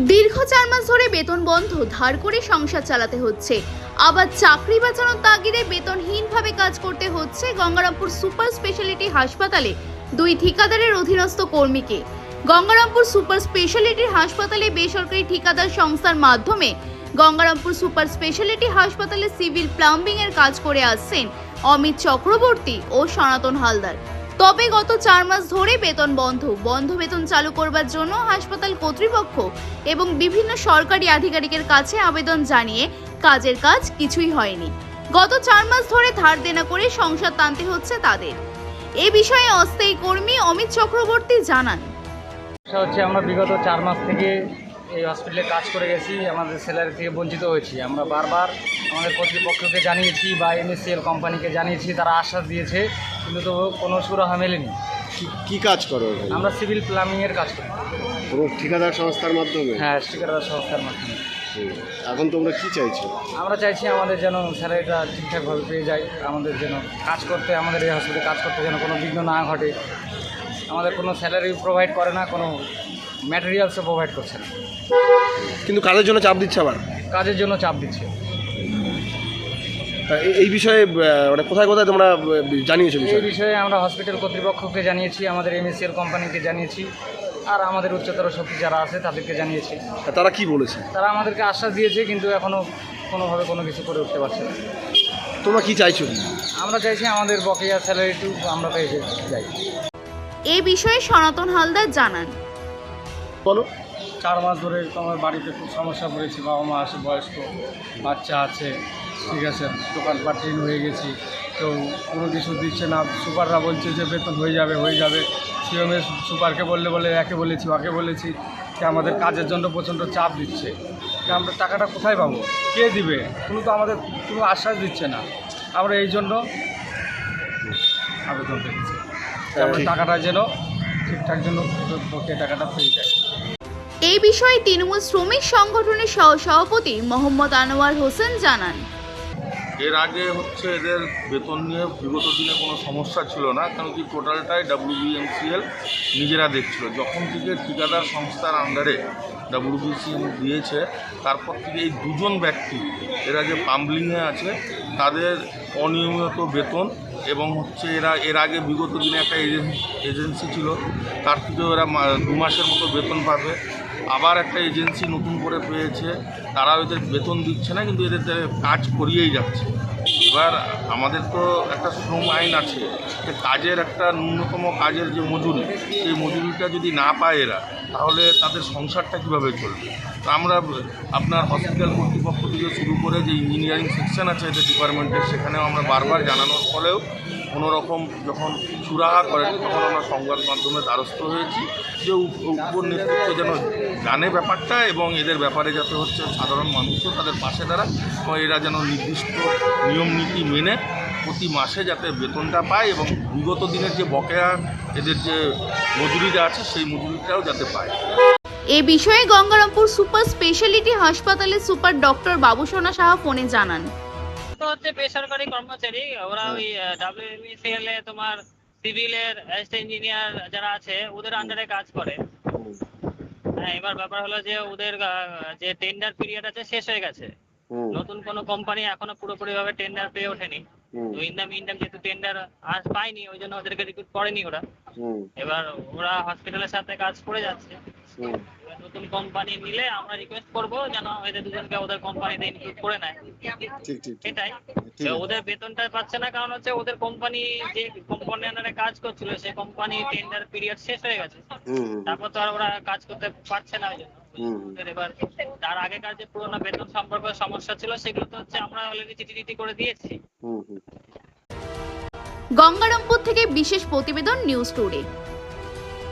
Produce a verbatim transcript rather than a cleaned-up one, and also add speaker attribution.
Speaker 1: দীর্ঘ চার মাস ধরে বেতন বন্ধ, ধার করে সংসার চালাতে হচ্ছে। আবার চাকরি বাঁচানোর তাগিদে বেতনহীনভাবে কাজ করতে হচ্ছে গঙ্গারামপুর সুপার স্পেশালিটি হাসপাতালে দুই ঠিকাদারের অধীনস্থ কর্মীকে। গঙ্গারামপুর সুপার স্পেশালিটি হাসপাতালে বেসরকারি ঠিকাদার সংস্থার মাধ্যমে গঙ্গারামপুর সুপার স্পেশালিটি হাসপাতালে সিভিল প্লাম্বিং এর কাজ করে আসছেন অমিত চক্রবর্তী ও সনাতন হালদার। তবে গত চার মাস ধরে বেতন বন্ধ বন্ধ বেতন চালু করবার জন্য হাসপাতাল কর্তৃপক্ষ এবং বিভিন্ন সরকারি আধিকারিকের কাছে আবেদন জানিয়ে কাজের কাজ কিছুই হয়নি। গত চার মাস ধরে ধার দেনা করে সংসার টানতে হচ্ছে তাদের। এ বিষয়ে অস্থায়ী কর্মী অমিত চক্রবর্তী জানান,
Speaker 2: হচ্ছে আমরা বিগত চার মাস থেকে এই হসপিটালে কাজ করে গেছি, আমাদের স্যালারি থেকে বঞ্চিত হয়েছি। আমরা বারবার আমাদের কর্তৃপক্ষকে জানিয়েছি বা এমএসসিএল কোম্পানিকে জানিয়েছি, তারা আশ্বাস দিয়েছে, কিন্তু তো কোনো সুরাহা মেলেনি।
Speaker 3: কি কাজ করো?
Speaker 2: আমরা সিভিল প্লাম্বিংয়ের কাজ করি।
Speaker 3: পুরো ঠিকাদার সংস্থার মাধ্যমে?
Speaker 2: হ্যাঁ, ঠিকাদার সংস্থার মাধ্যমে।
Speaker 3: এখন তোমরা কি চাইছো?
Speaker 2: আমরা চাইছি আমাদের যেন স্যালারিটা ঠিকঠাকভাবে পেয়ে যায়, আমাদের যেন কাজ করতে, আমাদের এই হসপিটালে কাজ করতে যেন কোনো বিঘ্ন না ঘটে। আমাদের কোনো স্যালারি প্রোভাইড করে না, কোনো ম্যাটেরিয়ালসও প্রোভাইড করছে না,
Speaker 3: কিন্তু কাজের জন্য চাপ দিচ্ছে, আবার
Speaker 2: কাজের জন্য চাপ দিচ্ছে।
Speaker 3: এই বিষয়ে মানে কোথায় কোথায় তোমরা জানিয়েছো?
Speaker 2: এই বিষয়ে আমরা হসপিটাল কর্তৃপক্ষকে জানিয়েছি, আমাদের এমএসসিএল কোম্পানিকে জানিয়েছি, আর আমাদের উচ্চতর শক্তি যারা আছে তাদেরকে জানিয়েছি।
Speaker 3: তারা কি বলেছে?
Speaker 2: তারা আমাদেরকে আশ্বাস দিয়েছে, কিন্তু এখনও কোনোভাবে কোনো কিছু করে উঠতে পারছে না।
Speaker 3: তোমরা কি চাইছো?
Speaker 2: আমরা চাইছি আমাদের বকেয়া স্যালারিটু আমরা পেয়ে যাই।
Speaker 1: এ বিষয়ে সনাতন হালদার জানান,
Speaker 3: বলো।
Speaker 2: চার মাস ধরে আমার বাড়িতে খুব সমস্যা পড়েছি, বাবা মা আছে, বয়স্ক বাচ্চা আছে, ঠিক আছে, দোকানপাট ঋণ হয়ে গেছি, তো কোনো কিছু দিচ্ছে না। সুপাররা বলছে যে বেতন হয়ে যাবে হয়ে যাবে সিএমএস সুপারকে বললে বলে একে বলেছি ওকে বলেছি যে আমাদের কাজের জন্য প্রচণ্ড চাপ দিচ্ছে, যে আমরা টাকাটা কোথায় পাবো, কে দিবে, কোনো তো আমাদের কোনো আশ্বাস দিচ্ছে না। আমরা এই জন্য আবেদন করেছি আমরা টাকাটা যেন ঠিকঠাক যেন বকেয়া টাকাটা পেয়ে যায়।
Speaker 1: এই বিষয়ে তৃণমূল শ্রমিক সংগঠনের সহ সভাপতি মোহাম্মদ আনোয়ার হোসেন জানান,
Speaker 4: এর আগে হচ্ছে এদের বেতন নিয়ে বিগত দিনে কোনো সমস্যা ছিল না, কারণ কি টোটালটাই ডাব্লিউবিএমসিএল নিজেরা দেখছিল। যখন থেকে ঠিকাদার সংস্থার আন্ডারে ডাব্লিউবিসিএল দিয়েছে, তারপর থেকে এই দুজন ব্যক্তি এরা যে পাম্বলিংয়ে আছে তাদের অনিয়মিত বেতন, এবং হচ্ছে এরা এর আগে বিগত দিনে একটা এজেন্সি ছিল, তার থেকেও এরা দু মাসের মতো বেতন পাবে। আবার একটা এজেন্সি নতুন করে পেয়েছে, তারা এদের বেতন দিচ্ছে না, কিন্তু এদের কাজ করিয়েই যাচ্ছে। এবার আমাদের তো একটা শ্রম আইন আছে যে কাজের একটা ন্যূনতম কাজের যে মজুরি, সেই মজুরিটা যদি না পায় এরা, তাহলে তাদের সংসারটা কীভাবে চলবে। তো আমরা আপনার হসপিটাল কর্তৃপক্ষ থেকে শুরু করে যে ইঞ্জিনিয়ারিং সেকশন আছে এদের ডিপার্টমেন্টের, সেখানেও আমরা বারবার জানানোর ফলেও কোনো রকম যখন সুরাহা করেন, তখন আমরা সংবাদ মাধ্যমে দ্বারস্থ হয়েছি যে উপর নেতৃত্ব যেন জানে ব্যাপারটা, এবং এদের ব্যাপারে যাতে হচ্ছে সাধারণ মানুষও তাদের পাশে দাঁড়ায়, এবং এরা যেন নির্দিষ্ট নিয়ম নীতি মেনে প্রতি মাসে যাতে বেতনটা পায়, এবং বিগত দিনের যে বকেয়া এদের যে মজুরিটা আছে সেই মজুরিটাও যাতে পায়।
Speaker 1: এ বিষয়ে গঙ্গারামপুর সুপার স্পেশালিটি হাসপাতালের সুপার ডক্টর বাবুসোনা সাহা ফোনে জানান,
Speaker 5: হচ্ছে বেসরকারি কর্মচারী, ওরা ওই ডাব্লিউবিসিএল এ তোমার সিভিলের অ্যাসিস্ট্যান্ট ইঞ্জিনিয়ার যারা আছে ওদের আন্ডারে কাজ করে। হ্যাঁ, এবার ব্যাপার হলো যে ওদের যে টেন্ডার পিরিয়ড আছে শেষ হয়ে গেছে, নতুন কোনো কোম্পানি এখনো পুরোপুরি ভাবে টেন্ডার পেয়ে ওঠেনি। তো ইনদাম ইনদাম যেহেতু টেন্ডার আজ পায়নি, ওই জন্য ওদেরকে রিক্রুট করেনি ওরা। এবার ওরা হসপিটালের সাথে কাজ করে যাচ্ছে। নতুন কোম্পানি নিলে আমরা রিকোয়েস্ট করবো যেন এদের দুজনকে ওদের কোম্পানিতে ইনক্লুড করে নেয়। এটাই, ওদের বেতনটা পাচ্ছে না কারণ হচ্ছে ওদের কোম্পানি যে কোম্পানি আন্ডারে কাজ করছিল সেই কোম্পানি টেন্ডার পিরিয়ড শেষ হয়ে গেছে, তারপর তো আর ওরা কাজ করতে পারছে না। ওই জন্য এবার তার আগেকার যে পুরোনো বেতন সম্পর্কে সমস্যা ছিল সেগুলো তো হচ্ছে আমরা অলরেডি চিঠি চিঠি করে দিয়েছি।
Speaker 1: গঙ্গারামপুর থেকে বিশেষ প্রতিবেদন, নিউজ টুডে।